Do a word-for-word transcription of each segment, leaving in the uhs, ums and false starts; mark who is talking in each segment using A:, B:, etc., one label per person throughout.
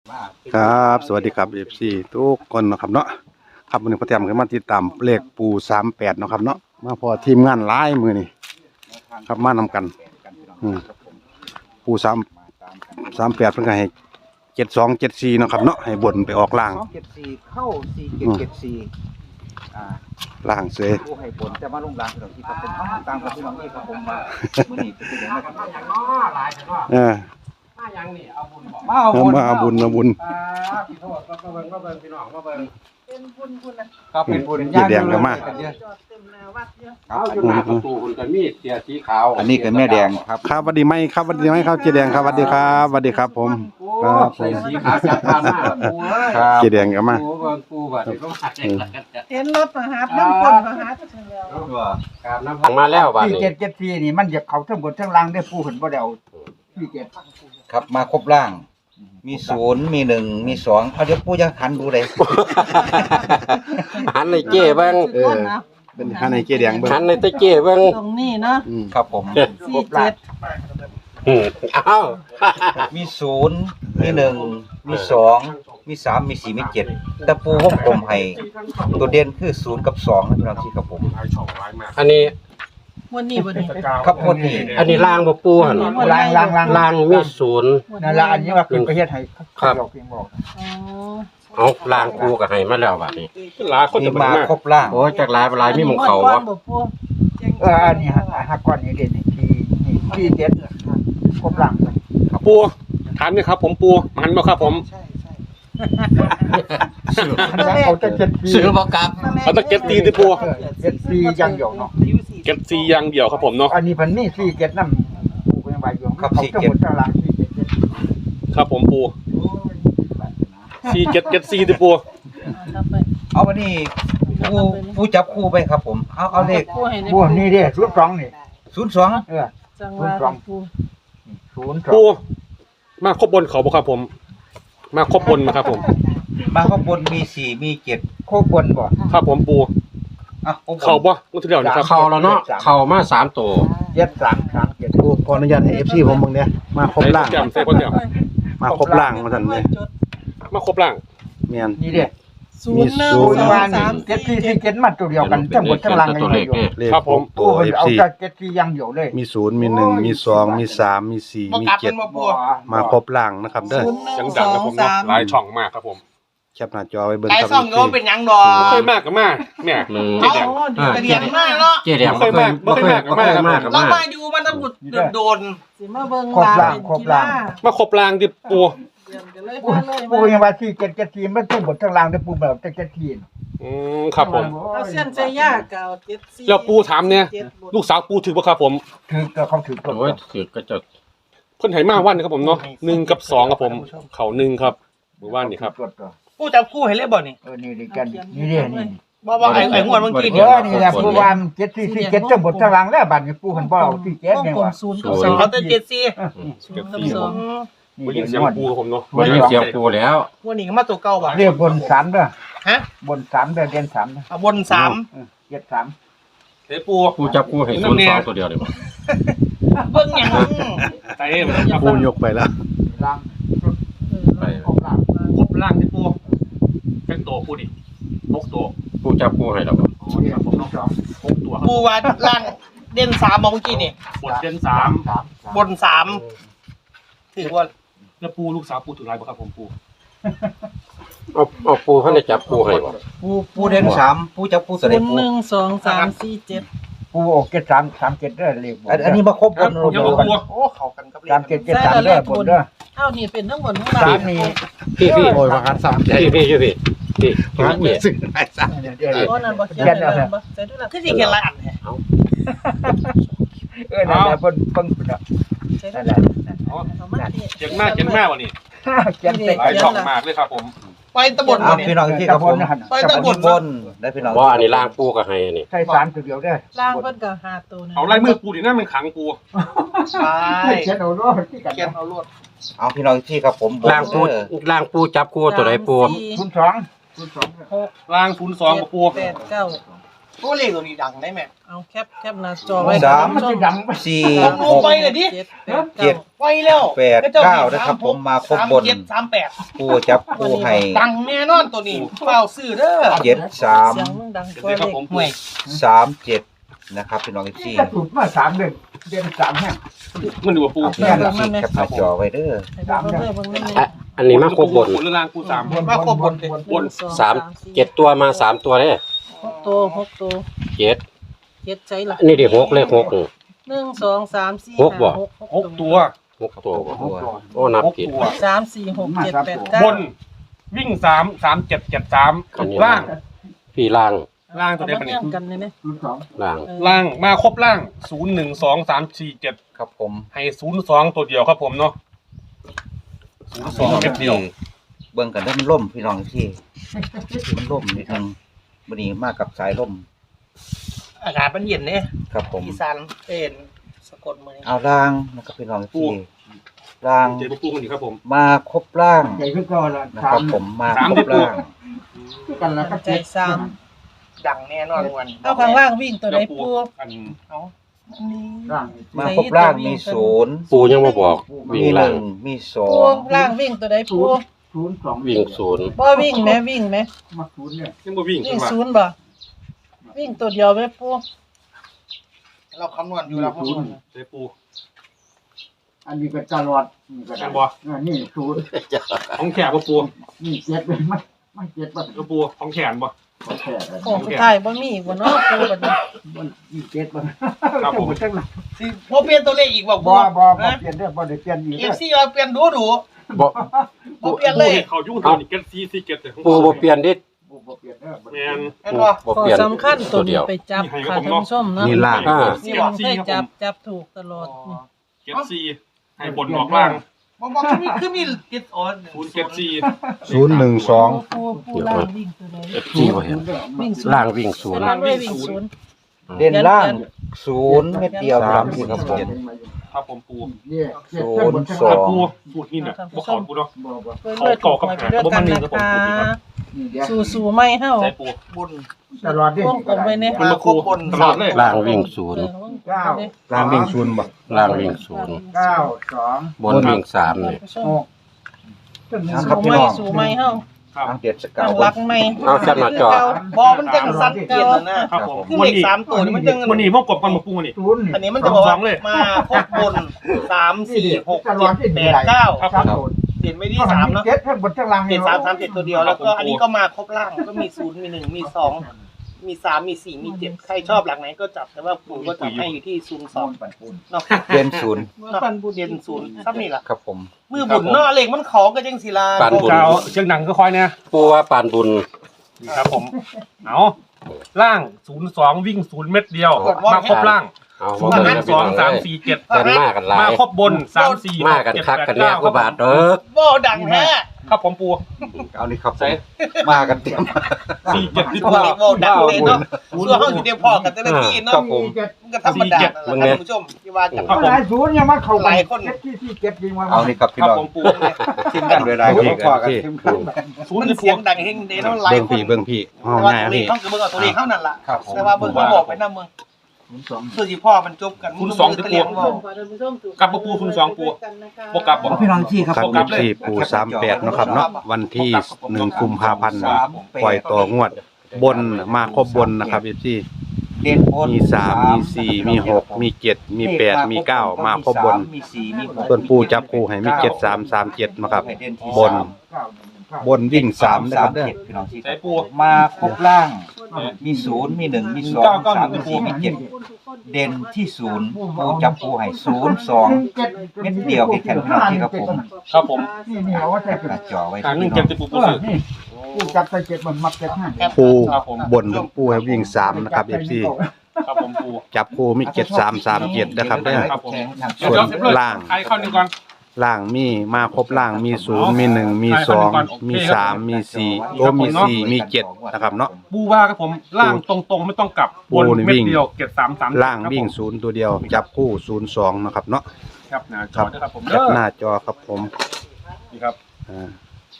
A: ครับสวัสดีครับเอฟซีทุกคนนะครับเนาะครับวันนี้พอเตรียมกันมาติดตามเลขปูสามแปดนะครับเนาะมาพอทีมงานหลายมือนี่ครับมานำกันอืมปูสามสามแปดเพิ่งให้เจ็ดสองเจ็ดสี่นะครับเนาะให้บนไปออกล่าง
B: สองเจ็ดสี่เข้าสี่เจ็ดเจ็ดสี่อ่า
A: ล่างเสย
B: ผู้ให้ผลจะมาลงรางพี่น้องที่ครับผมเอาตามกับพี่น้องที่ครับผมมาเมื่อนี้เป็นยังไงครับ
A: เออ
C: มายังนี่เอาบุญบอก
B: มาเอา
A: เอา
B: บุญ
A: มาเอาบุญมาบุญ
C: อ่าพี่โทษก็มาเบิ่งมาเบิ่งพี่น้องมาเบิ่ง
D: เป็นบุญบุญนะ
B: ครับเป็นบุญ
A: เจ๊แดงก็มา
D: จอดเต็มหน้าวัดเยอะ
C: เอาอยู่หน้าประตูคุณก็มีเสียสีขาว
B: อันนี้ก็แม่แดงครับ
A: ครับสวัสดีไหมครับสวัสดีไหมครับเจ๊แดงครับสวัสดีครับสวัสดีครับผมครับผ
C: ใส่
A: ม
C: สีขาวจัดทานมากปูเอ้ย
B: ครับ
A: เจ๊แดงก็มา
C: ปูเบิ่งปูบัดนี้ต้องหัดเอง
D: เห็นรถมาหาน้ำคนมาหาเฉลียว
C: การน้ำมาแล้วบัด
B: สี่
C: นี้
B: เจ็ดเจ็ดสี่นี่มันจะเขาทั้งบนทั้งล่างได้ผู้เห็นบ่เดาสี่เจ็ดครับมาครบล่าง มีศูนย์มีหนึ่งมีสองเอาเดี๋ยวปู่จะหันดูเลย
C: หันในเจ้เบิ่ง
A: เออเป็นข้างในเจ๊แดงเบิ้ง
C: หันในตะเจ้เบิ่ง
D: ตรงนี้เนาะ
A: อืม
B: ครับผม
D: สี่เจ็ด
C: อืมเอ้า
B: มีศูนย์มีหนึ่งมีสองมีสามมีสี่มีเจ็ดแต่ปูวงกลมให้ตัวเด่นคือศูนย์กับสองนะพี่น้องที่ครับผม
C: อันนี้
D: วันนี้วันนี้
B: ครับคนนี้
C: อันนี้ล่างบ่ปูหั่น
B: ล่างล่างล่าง
C: ล่างมีศูนย์
B: นั่นละอันนี้ว่าเป็นประเทศไทย
C: ครับ
B: บอกเพียงบอก
D: อ๋อ
C: เอาล่างปูก็ให้มาแล้วบัดนี้
E: หลายคน
B: นี่
E: จะ
B: มา
E: มา
B: ครบล่าง
C: โอ้ยจากหลายหลายมีหมองเขา
D: วะ
C: วะ
D: บ่ปู
B: เอออันนี้ฮะฮักก้อนนี้เด่นนี่ที่นี่ที่เจ็ดครบล่างเลย
E: ปูถามนี่ครับ ผมปูมันบ่ครับผม
B: ใช่ใช่เขาจะเจ็ดปี
C: ซื้อบ่กลับ
E: เอาตะเก็บตีที่ปู
B: เออเจ็ดปียังอยู่เนาะ
E: เก็บซีอย่างเดียวครับผมเนาะ
B: อันนี้พันนี่สี่เจ็ดน้ำปูเป็นใบยงเขาทั้งหมดทั้งล่างสี่เจ็ดเจ็ด
E: ครับผมปูซีเก็บเก็บซีที่ปู
D: เอาไป
B: เอาวันนี้ผู้ผู้จับคู่ไปครับผมเอาเอาเลข
D: ปูให้ใน
B: ผู้นี่เด้ศูนย์สองนี่ศูนย์สองเออ
D: จังหวะปู
B: ศูนย์สอ
E: ปู
B: ง
E: มาครบบนเขาบ่ครับผม มาครบบนมาครับผม
B: มาข้างบนมีสี่มีเจ็ดโคบนบ่
E: ครับผมปู
B: อ่ะ
E: เขาบ่มันที่เดียวนะครับ
C: เข้าแล้วเนาะเข้ามาสามตัว
B: เจ็ดสามสามเจ็ด
A: ปูขออนุญาตให้เอฟซีผมเบิ่งเนี่ยมาครบล่าง
E: ใส่แจ่มใส่พ่อแจ่ม
A: มาครบล่างมาทันเลย
E: มาครบล่าง
A: เมียน
B: นี่เด้
D: ศูนย์หนึ่ง
A: ศูนย์
D: สอง
B: ว่า
D: สาม
B: เจ็ด
D: สี่
B: สี่
D: เจ็
B: สี่
D: ด
B: เจ็ดมันตัวเดียวกันทั้งหมดทั้งล่างกันอยู่
A: เลข
E: ครับผม
A: ตั
B: ตัว
A: วเอฟ
B: เอา
A: ซี
B: แต่เจ็ดสี่ยังอยู่เลย
A: มีศูนย์มีหนึ่งมีสองมีสามมีสี่มีเจ็ดมาครบล่างนะครับเด้อ
D: ศูนย์หนึ่
E: เสีย
D: ง
E: ง
D: ส
E: ดัง
D: อ
E: นะ
D: ง
E: ผมเนาะ
D: สาม
E: หลายช่องมากครับผม
A: แคปหน้าจอไว้เบิ่ง
F: ไอ้
A: ครับ
F: ซ่องโน้เป็นหยังดอ
E: บ่เคยมากกับมากเนี่ย
C: หนึ่ง
E: เจ๊แดง
F: กระเดียงมากเนาะ
C: เจ๊แดงบ่เคยบ่เคยบ่เคยมากกับ
F: เรา
C: มาก
F: มาอยู่มันต้องบุดโดน
D: สิมาเบิ่ง
B: ครบ
D: ลา
B: ล่าง
D: เป็น
B: ครบ
D: กี
B: ล่า
D: ฬาง
E: มาครบล่างที่ปู
D: เยี่ยมกันเลย
B: ปู
D: มาเลย
B: ปูยังว่าสี่เจ็ดเจ็ดสี่มันทั้งหมดทั้งล่างได้ปูแบบเจ็ดสี่
E: อืมครับผม
D: เอาเส้นใจยากเก่าเจ็ดสี่
E: แล้วปูถามเนี่ย
D: จ็ดบ
E: ลูกสาวปูถือบ่ครับผม
B: ถือก็เขาถือตัว
C: โอ้ยถือก็จะ
E: เพิ่นไหมาวันครับผมเนาะหนึ่งกับสองครับผม เขาหนึ่งครับหมู่บ้านนี่ครับ
F: กูจับคู่ให้เล่บ่นี่
B: เออนี่ดีกันนี่เด้นี่
F: บ่บ่ไอ้ไอ้งวดเมื่อกี้
B: เอ
F: นี่
B: อนี่แหละปูวานเจ็ดสี่สี่เจ็ดทั้งหมดทั้งล่างแล้วบัดนี้ปูหันบ่เอาสี่เจ็ด
D: วง
B: เนี่ย
D: กลม
B: ว่า
D: ศูนย์กับส
C: ศู
D: อน ง
C: ย์
F: เขาจะเจ็ดสี่
D: ศูนย์กับสอง
E: บ่ยินเสียงปูครับผมเนาะ
C: บ่ได้เสียงปูแล้ว
F: วันนี้ก็มาตัวเก่าบ่
B: เรียกบนสามเด้อ
F: ฮะ
B: บนสามเด้อเด่นสามเด้อ
F: อ่ะบนสาม
B: เออเจ็ดสาม
E: เฮ้ยปู
C: ปูจับปูให้ศูนย์สองตัวเดียวเลยบ่
F: เบิ่งหยัง
E: ใจเอ็มครับ
A: ปูยกไปแล้ว
B: ล่าง
C: ไป
B: ครบล่าง
E: ครบล่างที่ปูเป็นตัวปูดิหกตัว
C: ปูจับปูให้แล้วบ่
E: อ๋อนี่ครับผมเนาะหกตัวครับ
F: กูว่าล่างเด่นสามเมื่อกี้นี่
E: บทเด่นสาม
B: สาม
F: บนสามถือว่า
E: แล้วปูลูกสาวปูถืออะไรบ่ครับผมปู
C: เอาเอาปูเขาได้จับปูให้บ่
B: ปูปูเด่นสามปูจับปู
D: ศู
B: เสด็จ
D: นย์
B: ปู
D: หนึ่งสองสามสี่เจ็ด
B: ปูโอเจ็ดสามสามเจ็ดเด้อเลขอันอันนี้มาครบบน
E: เดี๋ยว
B: บ
E: ปู
B: น
F: โอ้เข้ากันกับเลข
B: สามเจ็ดเจ็ดสามเด้อบนเด้อ
D: เอ้านี่เป็นทั้งหมดทั้ง
B: สาม
D: ล่าง
B: นี่
C: พี่พี่
A: โอ้ยว่ากันสามใจ
C: พี่พี่อยู่พี่พี่พี่พี่
A: ซึ่งไอ้สัส
B: เดี๋ยวเดี๋ยว
D: โอ้นั่นบ่เขียนเลยบ่ใส่ด้วยล่ะ
F: คือสิเขียนหลายอันแท้
B: เออนั่นแหละเพิ่นเพิ่นเพิ่นน่ะ
D: ใส่ด้
B: นั่
D: วน ย
B: แห
D: ล่ะ
B: ละ
E: อ๋อ
D: เอามาที่
E: เจ๋งมากเจ๋งมากวันนี้
B: เขียนเต็ม
E: หลายช่องมากเลยครับผม
F: ไปตะบน
B: เอา
F: บ่
B: พี่
F: นี่
B: น้องที่ครับผม
F: ไปตะบน
B: บนได้พี่น้อง
C: ว่าอันนี้ล่างปูก็ให้อันนี้
B: ใช้สามตัวเดียวได้
D: ล่างเพิ่นก็หาตัวนึง
E: เอาลายมือปูดินั่นมันขังปู
F: ไป
B: เขียนเอาโลดที่กัน
F: เขียนเอาลวด
B: เอาพี่น้องที่ครับผม
C: ล่างปูล่างปูจับปูตัวใดปู
D: สามสี่
B: ศูนย์สองศูนย์สอง
D: หก
E: ล่างศูนย์สองกับปู
D: แปดเก้า
F: ตัวเลขตัวนี้ดังได้ไหม
D: เอาแคปแคปหน้าจอไว้
B: สาม
D: ท่นผู้ช
B: สี่
F: ลองดู
B: หก
F: ไปเลยดิ
D: เจ็ด
B: เจ็ด
F: ไวแล้ว
B: แปดเก้านะครับผมมาครบบน
F: สามเจ็ดสามแปด
B: ปูจับปูให้
F: ดังแน่นอนตัวนี้เปล่าซื้อเด้อ
B: เจ็ดสาม
D: เสียงมึงดังกว่า
E: เด็กครับ
D: เด็ก
E: ผม
F: ห่วย
B: สามเจ็ดนะครับพี่น้องอีกสี่
G: จะถูกมาสามเดือนเดือนสามแห่ง
E: มันดูว่าปู
B: พี่น้องอีกสี่แคปหน้าจอไว้เด้อ
D: ให้เบิ่งเบิ่งเบิ่งเบิ่ง
C: อ่ะอันนี้มาครบบน
E: บนล่างปูสาม
F: มาครบบนเลย
E: บน
C: สามเจ็ดตัวมาสามตัวเนี่ย
D: หกตัวหกตัว
C: เจ็ด
D: เจ็ดใช่ละ
C: อันนี้เดี๋ยวหกเลขหกนี่
D: หนึ่งสองสามสี่
C: หกบ่
D: ห้าหก
E: หกตัว
C: หกตัวบ่
B: ตัว
C: โอ้นับ
E: หก
C: ผิด
E: ตัว
D: สามสี่หกเจ็ดแปดเก้า
E: บนวิ่งสามสามเจ็ดเจ็ดสาม
C: อันนี้
E: ล่าง
C: พี่ล่าง
E: ล่างตัวเดียว
D: เอา
E: กัน
D: มา
E: นี่
D: เทียงกันเลยเนี่ย
G: ศูนย์สอง
C: ล่าง
D: เออ
E: ล่างมาครบล่างศูนย์หนึ่งสองสามสี่เจ็ด
B: ครับผม
E: ให้ศูนย์สองตัวเดียวครับผมเนาะศูนย์สองเม็ดเดียว
B: เบิ่งกันเด้อมันล่มพี่น้องอีกสี่มันล่มนิดนึงวันนี้มากับสายล่ม
F: อากาศมันเย็นเนี่ย
B: ครับผม
F: อีสานเป็นสกลมือ
B: เอาล่างนะครับพี่น้องอีกสี่ล่าง
E: เจมาปูกันดีครับผม
B: มาครบล่าง
G: ใหญ่ขึ้นก็ละ
B: นะ
G: สา
B: ครั
G: ม
B: บผมมา
E: สาม
B: ครบล่าง
G: กันแล้วก็
D: ใจ
G: เจ็ด
D: สาม
F: ดังแน่นอนวัน
D: เอาข้างล่างวิ่งตัวไหน
E: เดี๋ยว
D: ปู
E: อัน
F: เอาอันนี้
G: ร่าง
B: มาครบล่างมีศูนย์
C: ปูยังมาบอกวิ่ง
B: มีห
C: ล่าง
B: นึ่งมีสอ
D: ปู
B: ง
D: ล่างวิ่งตัวไหนปู
G: ศูนย์สอง
C: วิ่งศูนย์
D: บ่วิ่งไหมวิ่งไหม
G: มาศูนย์เนี่ย
E: ยังบ่วิ่ง
D: วิ่
E: ขึ้
D: ง
E: นมา
D: ศูนย์บ่วิ่งตัวเดียวไหมปู
F: เราคำนวณอยู่แล้วคำนวณ
E: เจปู
G: อันนี้ก็ตลอดนี่ก็
E: แม่นบ่
G: นี่ศูนย์
E: ของแขกบ่ปู
G: นี่เจ็ดเลยมันไม่เจ็ดป่ะ
E: เจปูของแขนบ่
G: ก็แค่
D: โค้งสุดท้ายบ่มีอีกบ่เนาะปูบัดนี้
G: มันนี่เจ็ดป่ะ
E: ครับผม
G: จังหวะ
F: สิพอเปลี่ยนตัวเลขอีกบอก
G: บ่บ่บ่
F: นะ
G: เปลี่ยนเรื่องบ่ได้เปลี่ยนอีก
F: เอ
G: เด้
F: ฟ
G: อ
F: ซีมาเปลี่ยนดูดู
C: บ่
F: พอเปลี่ยนเลย
E: เขายุ่งตัวนี้เก็ตซีซีเก็ตแต่ของ
C: ปูบ่เปลี่ยนดิ
G: บ่เปลี่ยนเด้อ
E: แมน
F: เห็น
C: ปู
F: ป่ะ
C: บ่
D: ข้อ
C: เปลี่ยน
D: สำคัญตัว
C: เดี
D: นี้
C: ยว
D: ไปจับ
E: นี่ให้
D: ค่ะ
E: ผม
D: ท่าน
E: เนาะ
D: ผู้ชมเนาะ
A: นี่ล่าง
C: อ่า
D: นี่ผมเคยจับจับถูกตลอดนี่
E: เก็ตซีให้บนออกล่าง
F: บอกบอกคือมีคือมีติดออน
E: ศูนย์เก็ตซี
A: ศูนย์หนึ่งสอง
D: ปูปูล่างวิ่งตัวไหน
C: เอฟซีบ่เห็น
D: วิ่งศูนย์
C: ล่างวิ่งศูนย์
D: ล่างด้วยวิ่งศูนย์
B: เด่นล่างศูนย์เม็ดเดียวครับพี่ครับผม
E: ครับผมปู
G: เนี่ย
B: ศูนย์ส
E: ค
B: อ
E: รับ
B: ง
E: ปูปูที่เนี่ยบ่ขอปูเนาะ
G: บ่บ่
D: เพื่อนด้วยถูกหวยไปด้วยกันนะคะ
G: นี่เดี๋ยว
D: สู่สู่ไม่เฮา
E: ใส่ปู
F: บุญ
G: ตลอดดิ
D: วงกลมไว้เนี่ย
E: มันมาปูตลอดเลย
C: ล่างวิ่งศูนย์
G: เก้า
A: ล่างวิ่งศูนย์บ่
C: ล่างวิ่งศูนย์
G: เก้าสอง
C: บนวิ่งสามนี่
G: หกจนหนึ่ง
B: ครับ
D: สู่
B: พี่
D: ไม่
B: น้อง
D: สู่ไม่เฮา
E: ครับ
B: ทางเด็ดสกา
D: ตั้
B: ว
D: งรักไม่
C: เอาแคปหน้าจอ
F: บอมันจังสันเกียรตินะครับ
E: ผม
F: คือเลขสามตัวนี่มันจัง
E: วันนี้พวกกบกันมาปูนี่
G: ศูนย์
F: อันนี้มันจะบอก
E: ส
F: ว่า
E: องเลย
F: มาครบบนสามสี่หกเจ็ดแปดเก้า
E: ครับ
G: ครับผม
F: เด่นไม่ที่สามเนาะ
G: เจ็ดทั้งบนทั้งล่าง
F: เจ็ดสามสามเจ็ดตัวเดียวแล้วก็อันนี้ก็มาครบล่างก็มีศูนย์มีหนึ่งมีสองมีสามมีสี่มีเจ็ดใครชอบหลักไหนก็จับแต่ว่าปู่ก็จับให้อยู่ที่ศูนย์สองเนาะ
B: เด่นศูนย์
F: เนาะเด่นศูนย์ซ้ำนี่ล่ะ
B: ครับผม
F: มือบุญเนาะเลขมันขอก็จังศิลา
C: ปานบุญ
E: เจ้าเชียงหนังก็คอยเนี่ย
C: ปูว่าปานบุญ
E: นี่ครับผม เอาล่างศูนย์สองวิ่งศูนย์เม็ดเดียว มาครบล่าง
C: เอา
E: ศู
C: มาน
E: ย์
C: เบิ่ง
E: หนึ่
C: นะ
E: งส
C: พี่
E: อ
C: น้
E: ง
C: อง
E: สาม
C: เอ้ย
E: สี่เจ็ด
C: เดินมากันหลาย
E: มาครบบนสามสี่
C: มากันคักกันแน่ก็บาทเด้อ
F: บ่ดังแท้
E: ครับผมปู
B: เอานี่ครับผ
E: ใส่
B: มมากันเต็ม
E: สี่เจ็ดที่
F: โอ้
E: ปู
F: ยบ่ดังเลยเนาะส่วนเฮาอยู่เดียวพอกันแต่ละที่
B: ครั
F: เนาะ
B: บผม
F: มันก็ธรรมดานั่นแหละท่านผู้ชมที่ว่ากัน
G: หลายศูนย์ยังมาเข้า
F: หลายคน
G: เจ็ดที่ที่เจ็ดยิงมา
B: เอานี่ครับพี่
E: ครับ
B: น้อง
E: ผมปู
B: ทีมงานรายๆก็มาพอกันเข้มข้น
E: ศูน
F: มั
E: ย์
F: น
E: ที่ปู
F: เสียงดังเฮงเด้เนาะหลาย
A: เบิ่ง
F: ค
A: พี่
F: น
A: เบิ่งพี่ห้อง
F: แต่ว่า
A: ง่าย
F: ตัวเล
A: พี่
F: ขเขาก็เบิ่งเอาตัวเลขเท่านั้นล่ะ
B: ครับผม
F: แต่ว่าเบิ่งเขาบอกไปนำเมือง
G: ศูนย์สอง
F: ส่วนที่พ่อมันจบกัน
E: คุณสองที่ปู กลับมาปูคุณสองปูบวกกลับบอก
B: พี่น้องที่ครับ
A: ครับ
B: ผม
A: ยี่สี่ปูสามแปดเนาะครับเนาะวันที่หนึ่งกุมภาพันธ์ปล่อยต่องวด บนมาครบบนนะครับยี่สี่
B: เด่นบน
A: มีสามมีสี่มีหกมีเจ็ดมีแปดมีเก้ามาครบบน
B: มีสี่มีหก
A: ส่วนปูจับปูให้มีเจ็ดสามสามเจ็ดนะครับ บน
G: เก้าหนึ่งเก้า
A: บนวิ่งสามนะครับเด้อ
B: พี่น้องที่
E: ใส่ปู
B: มาครบล่าง มีศูนย์มีหนึ่งมีสอง
E: เก้าเก้าหนึ่
B: สาม
E: ง
B: มีสี่มีเจ็ดเด่นที่ศูนย์ปูจับปูให้ศูนย์สองเม็ดเดียวแค่แข็งพี่น้องที่ครับผม
E: ครับผม
G: นี่นี่เอาไว้ใส่
B: หน้าจอไว้
E: กลางห
B: ที่
E: นึ่ง
B: พี่
E: เจ็
B: น้
E: ด
B: อง
E: ที่ปูปู
G: เออ
E: ซื้อ
G: นี่กูจับใส่เจ็ดมันมักเจ็ดห้า
A: ปู
E: ครับผม
A: บนปูให้วิ่งสามนะครับยี่สี่
E: ครับผมปู
A: จับปูมีเจ็ดสามสามเจ็ดนะครับเด้อ
E: ครับผม
A: ส่วนล่าง
E: ไอ้เข้าหนึ่งก่อน
A: ล่างมีมาครบล่างมีศูนย์มีหนึ่งมีสองมีสามมีสี่โอ้มีสี่มีเจ็ดนะครับเนาะ
E: ปูว่าครับผมล่างตรงๆไม่ต้องกลับบน
A: ปูนี่
E: เม็
A: วิ่
E: ด
A: ง
E: เดียวเก็บสามสาม
A: ล่างวิ่งศูนย์ตัวเดียว จับคู่ศูนย์สองนะครับเนาะ
E: ครับหน้าจอด้วยครับผม
A: จับ
E: เด้อ
A: หน้าจอครับผม
E: นี่ครับ
A: อ่า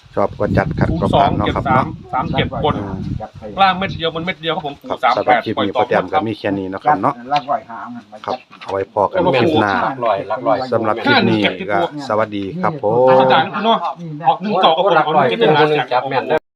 A: ชอบก็จัดขัด
E: ศูน
A: ก็
E: ย์สอ
A: ผ่าง นเนาะ
E: เจ็ด
A: ครับ
E: สาม
A: เนาะ
E: สามเจ็ดบน
A: อืม
G: จับใส่
E: ล่างเม็ดเดียวบนเม็ดเดียวครับผม
A: ครับ
E: สาม
A: สำห
E: แป
A: รับ
E: ด
A: คลิป
E: ปล่อย
A: นี้
E: ต่
A: พ
E: อ
A: อแต้ม
E: ค
A: ก็
E: รับ
A: มีแค่นี้เนาะครับเนาะ
G: ลักไว้หางมัน
A: ครับเอาไว้พอกัน
E: โอ้โห
A: คลิปหน้า
C: หลักร้อยหลักร้อย
A: สำหรับคลิปนี้ก็สวัสดีครับผม
E: อาจารย์คุณเนาะออกหนึ่งเก่ากับผม
C: หลัก
E: เอา
C: ร้อย
E: เก็บ
C: เป็
E: เป็น น
C: ค
E: ล้าน น
C: หนึ่ง
E: จาก
C: จับแม่นเด้อ